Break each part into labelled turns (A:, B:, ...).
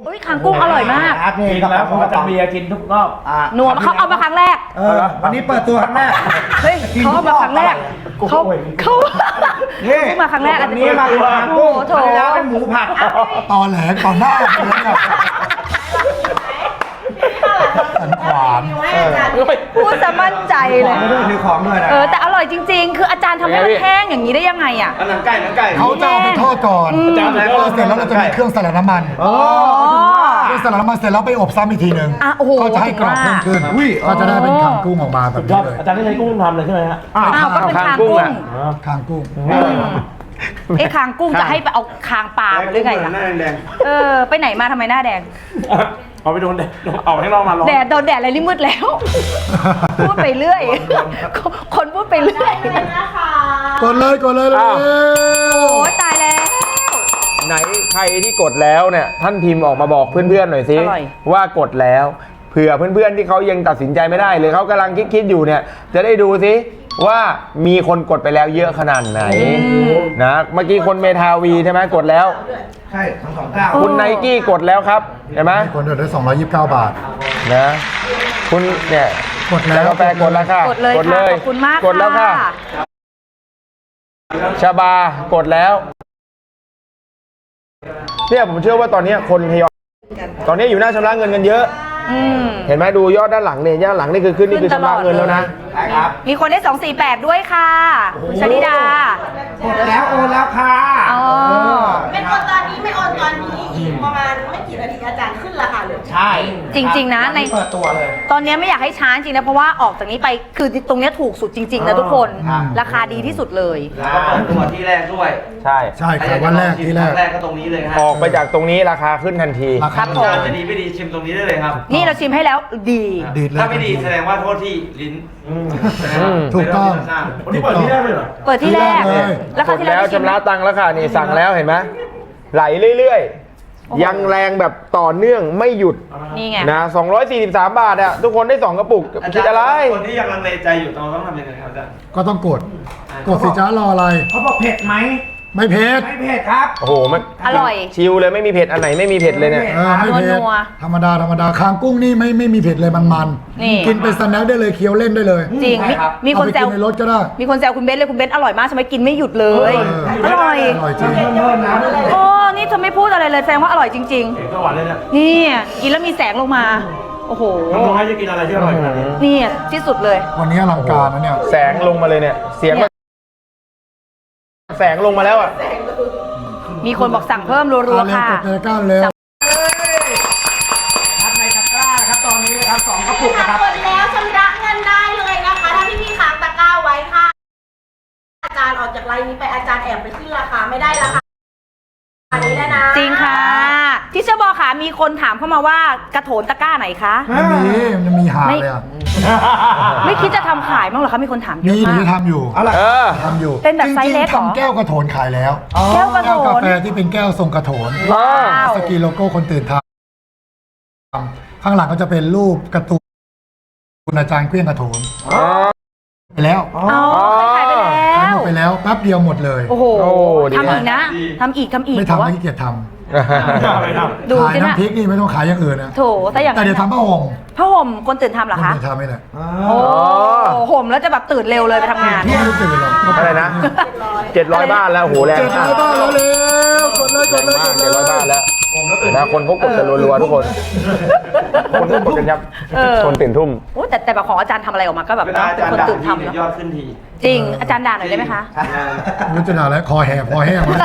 A: อุ้ยคางกุ้งอร่อยมาก
B: จริงแล้วผมจะเบียร์กินทุกรอบ
A: นัวเขาเอามาครั้งแรก
B: วันนี้เปิดตัวครั้งแรก
A: เฮ้ยเขาเอามาครั้งแรกเขามาครั้งแรกอันนี้
B: มาดูคางกุ้งโถแล้วเป็นหมูผัด
C: ตอแหลก่อนหน้าสันขวาน
A: พูดจะมั่นใจเลย
B: ถือของด้วยนะ
A: แต่อร่อยจริงๆคืออาจารย์ทำให้มันแห้งอย่างนี้ได้ยังไงอ่ะ
B: หนังไก่
C: เขาจะเอาไปทอดก่อนเสร็จแล้วเราจะมีเครื่องสลัดน้ำมันเครื่องสลัดน้ำมันเสร็จแล้วไปอบซ้ำอีกทีหนึ่งก็จะให้กรอบเพิ่มขึ้นก็จะได้เป็นคางกุ้งออกมาแบบนี้เลย
B: อาจารย์ได้ใช้กุ้งทำเลยใช่ไหมฮะ
A: ก็เป็นคางกุ้ง
C: คางกุ้ง
A: ไอ้คางกุ้งจะให้ไปเอาคางปลามาหรือไงล่ะไปไหนมาทำไมหน้าแดง
B: เอาไปโดนแดดเอาให้เรามาร้อน
A: แดดโดนแดดอะไรนี่มืดแล้วพูดไปเรื่อยคนพูดไปเรื่อย
C: กดเลย
A: โอ้ตายแล้ว
D: ไหนใครที่กดแล้วเนี่ยท่านพิมพ์ออกมาบอกเพื่อนๆหน่อยสิว่ากดแล้วเผื่อเพื่อนๆที่เขายังตัดสินใจไม่ได้หรือเขากำลังคิดอยู่เนี่ยจะได้ดูสิว่ามีคนกดไปแล้วเยอะขนาดไหนนะเมื่อกี้คนเมทาวีใช่ไหมกดแล้ว
B: ใช่ทั้งสองเจ้า
D: คุณไนกี้กดแล้วครับเห็นไหม
C: คนเดือดได้229 บาท
D: นะคุณเนี่ย
C: กดแล้ว
D: กาแฟกดแล้วค่ะ
A: กดเลยขอบคุณมาก
D: กดแล้วค่ะชาบากดแล้วเนี่ยผมเชื่อว่าตอนนี้คนทยอยตอนนี้อยู่หน้าชำระเงินกันเยอะเห็นไหมดูยอดด้านหลังเนี่ยด้านหลังนี่คือขึ้นนี่คือชำระเงินแล้วนะ
A: มีคนได้248ด้วยค่ะชนิดาก
B: ดแล้วโอนแล้วค่ะ
E: ไม่โอนตอนนี้ไม่โอนตอนนี้อีกประมาณไม่กี่นาทีอาจารย์ขึ้นราคาเลย
B: ใช่
A: จริงๆนะใน
B: เปิดตัวเลย
A: ตอนนี้ไม่อยากให้ช้าจริงนะเพราะว่าออกจากนี้ไปคือตรงนี้ถูกสุดจริงๆนะทุกคนราคาดีที่สุดเลย
F: แล้วก็เปิดตัวที่แรกด้วย
D: ใช่
C: ครับวันแรกที่แรก
F: ก็ตรงนี้เลยครับ
D: ออกไปจากตรงนี้ราคาขึ้นทันที
A: ครับผม
F: จะดีไม่ดีชิมตรงนี้ได้เลยครับ
A: นี่เราชิมให้แล้วดี
F: ถ้าไม่ดีแสดงว่าโทษที่ลิ้น
C: ถูกต้อง
B: วันนี้เปิดที่แรกเลยเหรอ
A: เปิดที่แรก
D: แล้วกดแล้วชำระตังค์แล้วค่ะนี่สั่งแล้วเห็นไหมไหลเรื่อยๆยังแรงแบบต่อเนื่องไม่หยุด
A: นี่ไง
D: นะ243 บาทอะทุกคนได้2กระปุกคิดอะไร
F: คนที่ยังลังเลใจอยู่ต้องทำยังไงครับอาจารย์
C: ก็ต้องกดสิจ้ารออะไร
B: เขาบอกเผ็ดไหม
C: ไม่เผ็ด
B: ครับ
D: โอ้โหมัน
A: อร่อย
D: ชิลเลยไม่มีเผ็ดอันไหนไม่มีเผ็ดเลยเนี่ย
C: ไม่เผ็ดธรรมดาคางกุ้งนี่ไม่มีเผ็ดเลยมันกินเป็นสแน็คได้เลยเคี้ยวเล่นได้เลย
A: จริงมีคนแซว
C: ในรถก็ได้
A: มีคนแซวคุณเบนเลยคุณเบนอร่อยมากใช่ไหมกินไม่หยุดเลยอร่อย
C: จริง
A: โอ้นี่เธอไม่พูดอะไรเลยแสดงว่าอร่อยจริง
B: ๆสวรรค์เลยเนี่ย
A: นี่กินแล้วมีแสงลงมาโอ้โห
B: น้องให้จะกินอะไรที่อร่อยขนาดนี้
A: นี่ที่สุดเลย
C: วันนี้อลังการนะเนี่ย
D: แสงลงมาเลยเนี่ยเสียงแสงลงมาแล้วอ่ะ
A: มีคนบอกสั่งเพิ่มรัวๆค่ะ
B: ครับในตะกร้านะครับตอนนี้นะครับ2กระปุกนะครับ
E: กดแล้วชำระเงินได้เลยนะคะถ้าพี่ค้างตะกร้าไว้ค่ะอาจารย์ออกจากไลน์นี้ไปอาจารย์แอบไปขึ้นราคาไม่ได้ราคาอันนี้แล้วนะ
A: จริงค่ะที่เชอบอกค่ะมีคนถามเข้ามาว่ากระโถนตะกร้าไหนคะ
C: มันมีหาเลยอ่ะ
A: ไม่คิดจะทำขายมั้งเหรอคะมีคนถามเยอะ
C: มากมีทำอยู่ทำอยู่
A: เป็นแบบไซส์เล็ก
C: ทำแก้วกระโถนขายแล้ว
A: แก้วกระโถน
C: กาแฟที่เป็นแก้วทรงกระโถนสกีโลโก้คนตื่นทำข้างหลังก็จะเป็นรูปการ์ตูนอาจารย์เครื่องกระโถนไปแล้ว
A: ขายไป
C: แล้วแป๊บเดียวหมดเลย
A: โอ้โหทำอีกนะทำอีก
C: ไม่ทำไม่ขี้เกียจทำ
A: ดู
C: ขายน้ำพริกนี่ไม่ต้องขายอย่างอื่นนะ
A: โถแต่
C: เดี๋ยวทำผ้า
A: ห่มคนตื่นทำเหรอคะ
C: คนตื่นทำไม่เลย
A: โอ้ห่มแล้วจะแบบตื่นเร็วเลยไปทำงาน
C: พี่ไม่ตื่นหรอก
D: อะไรนะ700 บ้านแล้วโหแรง
C: 700 บ้านแล้วเร็วกดเลย
D: 700 บ้านแล้วนะคนพกกดกันรัวๆทุกคนคนพกกดกันยับคนตื่นทุ่ม
A: แต่แบบของอาจารย์ทำอะไรออกมาก็แบบเป็นคนตื่นทำแล้ว
F: ยอดขึ้นที
A: จริงอาจารย์ด่าหน่อยได้ไหมคะ
C: รู้จะด่าแล้วคอแห้งมั้ย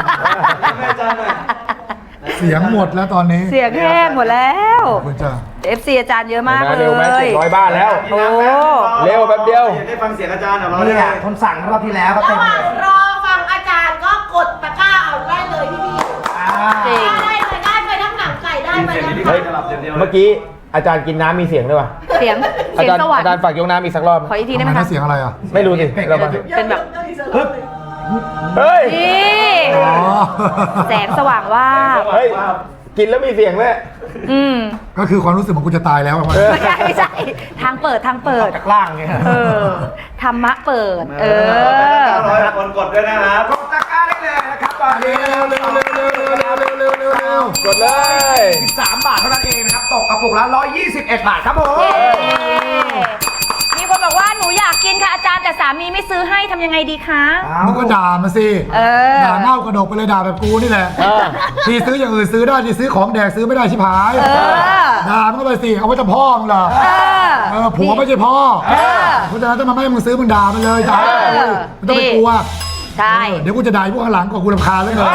C: เสียงหมดแล้วตอนนี้
A: เสียงแห้งหมดแล้ว
C: คุณจ้า
A: FC อาจารย์เยอะมากเลย
D: เร็วไหม700 บ้านแล้ว
A: โอ้
D: เร็วแป๊บเดียว
F: ได้ฟังเสียงอาจารย์เหรอ
B: เนี่ยคนสั่งรอบที่แล้วก็เต็มเลย
E: รอฟังอาจารย์ก็กดตะกร้าเอาได้เลยพี่ได้ไปทั้งหนังไก่ได้ไป
D: เมื่อกี้อาจารย์กินน้ำมีเสียงด้วยป่ะ
A: เสียงสวรรค์
D: อาจารย์ฝากยกน้ำอีกสักรอบ
A: ขออีกทีได้ไหมคะ
C: เสียงอะไรอ่ะ
D: ไม่รู้สิเรา
A: เป็นแบบ
D: เฮ้ย
A: แสงสว่างว่า
D: เฮ้ยกินแล้วมีเสียงเลย
C: ก็คือความรู้สึกของกูจะตายแล้ว
A: ไม่ใช่ทางเปิด
B: จากล่างไง
A: ธรรมะเปิด
F: คนกดด้วยนะครับ
B: ตะกร้าได้เลยนะครับตอนนี้
C: เร็วเร็วเร็วเร็วเร็วเร็วเร็วเร็วเร็วเร็ว
D: กดเลย
B: 13 บาทเท่านั้นเองนะครับตกกระปุกละ121 บาทครับผม
A: เย้มีคนบอกว่าหนูอยากกินค่ะอาจารย์แต่สามีไม่ซื้อให้ทำยังไงดีคะ
C: มึงก็ด่ามาสิ
A: เออ
C: ด่าเง่ากระดกไปเลยด่าแบบกูนี่แหละที่ซื้ออย่างอื่นซื้อได้ที่ซื้อของแดกซื้อไม่ได้ชิบหาย
A: เออ
C: ด่ามันก็ไปสิเอาไว้จะพ่อมึงเหรอ
A: เออ
C: ผัวไม่ใช่พ่อ
A: เออ
C: เพราะฉะนั้นถ้ามันไม่ให้มึงซื้อมึงด่ามันเลยด่า
A: เออ
C: มันต้องไปกลัว
A: ใช่
C: เดี๋ยวกูจะด่าพวกข้างหลังก่อนกูรำคาญแล้วเกิน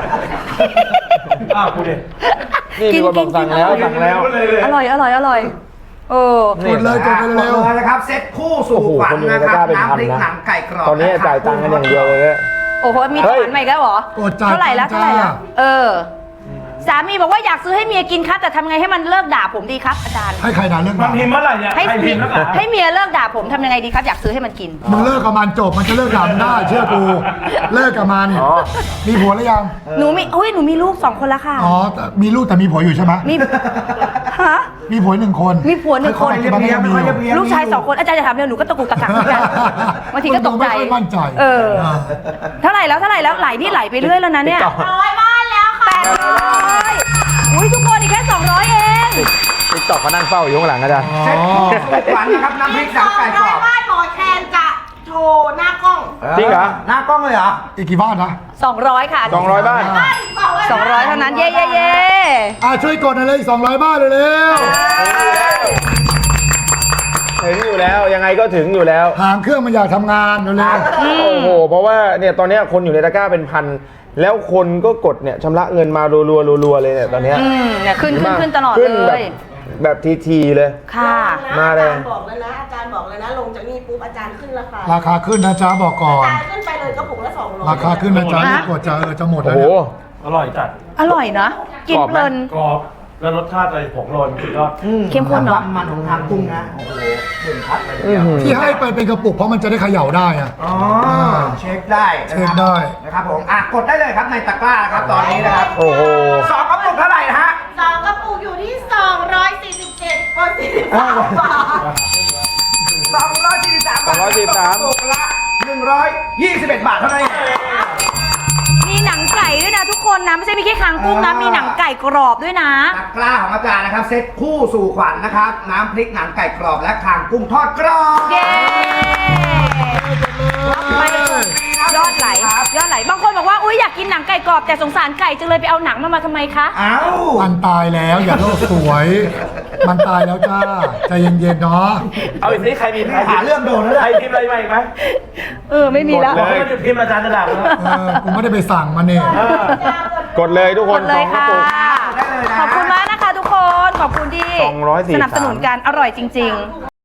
F: อ้าวกูดิ
D: นี่มีคนบอกสั่งแล้วสั่งแล้ว
A: อร่อยอร่อยอร่อยเออ
C: กดเลยกดไป
B: หม
C: เร็
B: ด
C: ว
B: เลยนะครับเซ็ตคู่สู่ขวัญนะครับน้ำพริกหนังไก่กรอบ
D: ตอนนี้จ่ายตังค์กันอย่างเดียวเลยเนี่ย
A: โอ้โหมี
D: เฮ้
A: ท
D: ย
A: หารใหม่แล้วเหรอ
C: กดจ่าย
A: เท่าไหร่แล้ว
C: ตั
A: เท่าง
C: ค์
A: ไหร่
C: จ้า
A: แล้วเออ สามีบอกว่าอยากซื้อให้เมียกินครับแต่ทำไงให้มันเลิกด่าผมดีครับอาจารย์
C: ให้ใครด่าเรื่อง
F: มัน
C: ด่า
F: พิมพ์เมื่อไหร่เนี่ย
A: ให้
F: ใครพิ
A: เมีย
F: มพ์แล้วอ่ะ
A: ให้เมียเลิกด่าผมทำยังไงดีครับอยากซื้อให้มันกิน
C: มึงเลิกกับมันจบมันจะเลิกด่ามึงได้เชื่อกูเลิกกับมัน
D: อ๋อ
C: มีผัวหรือยัง
A: หนูมีลูก2 คนแล้วค่ะ
C: อ๋อแต่มีลูกแต่มีผัวอยู่ใช่ไหม
A: มีฮะ
C: มีผัว1 คน
A: มีผัว1 คน
C: ปัจจุบันก็ยังมีอยู่
A: ลูกชาย2 คนอาจารย์จะถามเรื่องหนูก็ตะกุกตะกักเหมือนกันบางทีก็ตกใจ
C: ไม่ค่อยมั่นใจ
A: เออเท่าไหร่แล้วไหลนี่ไหลไปเรื่อยแล้วนะเนี่ย
E: 100 บ้านแล้วค่ะ
A: 800อุ้ยทุกคนอีกแค่200เอง
D: ติ๊กต็อกเขานั่งเฝ้าอยู่ข้างหลังอาจารย์
B: เซ็ตคู่สู่ขวัญนะครับน้ำพริกหนังไก่กรอบ
E: 200 บ้านหมอแคนจะโชว์หน้ากล้อง
D: จริงเหรอ
B: หน้ากล้องเลยเหรอ
C: อีกกี่บ้านนะ
A: 200ค่ะ
D: 200 บ้าน
A: 200เท่านั้นเย้เย้เย้
C: ช่วยกดหน่อยเลยอีก200 บ้านเร็ว
D: ถึงอยู่แล้วยังไงก็ถึงอยู่แล้ว
C: ๆหางเครื่องมันอยากทำงานเร็ว
D: โอ้โหเพราะว่าเนี่ยตอนเนี้ยคนอยู่ในตะกร้าเป็นพันแล้วคนก็กดเนี่ยชำระเงินมารัวๆเลยเนี่ยตอนเนี้ย
A: เนี่ยขึ้นตลอด
D: ขึ้น
A: เลย
D: แบบทีๆเลย
A: ค่ะ
D: มาเลย
E: อาจารย์บอกแล้วนะอาจารย์บอกเลยนะลงจากนี่ปุ๊บอาจารย์ขึ้นราคา
C: ๆราคาขึ้นนะจ๊ะบอกก่อน
E: อาจารย์ขึ้นไปเลยกระปุกละ200
C: ราคาขึ้นนะจ๊ะรีบกดจะจะหมด
D: โอ้
C: แล้ว
D: โห
C: เนี่ย
F: อร่อยจัด
A: อร่อยนะกินเพลิน
F: กรอบแล้วรสชาติอะไรผงโรยสุดยอด
A: เข้มข้นเนอะ
B: ความมันของทางกุ้งนะโอ้โหเด่นชัดเลย
D: อื้อหือ
C: ที่ให้ไปเป็นกระปุกเพราะมันจะได้เขย่าได้อะ
B: อ๋อเช็คได้
C: เช็คได้
B: นะครับผมกดได้เลยครับในตะกร้านะครับตอนนี้นะครับ
D: โอ้โห
B: 2 กระปุกเท่าไหร่นะฮะ
E: 2 กระปุกอยู่ที่ 247กว่า43 บาท
B: 243 กระปุกละ121 บาทเท่านั้นเอง
A: มีหนังไก่ด้วยนะทุกคนนะไม่ใช่มีแค่คางกุ้งนะมีหนังไก่กรอบด้วยนะ
B: ตะกร้าของอาจารย์นะครับเซ็ตคู่สู่ขวัญนะครับน้ำพริกหนังไก่กรอบและคางกุ้งทอดกรอบ
A: เย้ไปเลยยอดไหลบางคนบอกว่าอุ้ยอยากกินหนังไก่กรอบแต่สงสารไก่จึงเลยไปเอาหนังมาทำไมคะ
B: เอ้า
C: มันตายแล้วอย่าโลกสวย มันตายแล้วจ้าใจเย็นๆเนาะ
F: เอาอีกทีใครมี
B: หาเรื่องโดนแล้ว
F: ใคร
B: แหละ
F: พิมพ์อะไรมาอีกไหม
A: ไม่มีแล้ว
F: บอกให้มันหยุดพิมพ์อาจารย์จะด่าแล้ว
C: กูไม่ได้ไปสั่งมันเนี่ย
D: กดเลยทุกค
A: ก
D: น
A: ดเลย
D: 2 กระ
A: ค่ะ
D: ปุก
B: ได้เลยนะ
A: ขอบคุณมากนะคะทุกคนขอบคุณที่
D: 243
A: สนับสนุนกันอร่อยจริง ๆ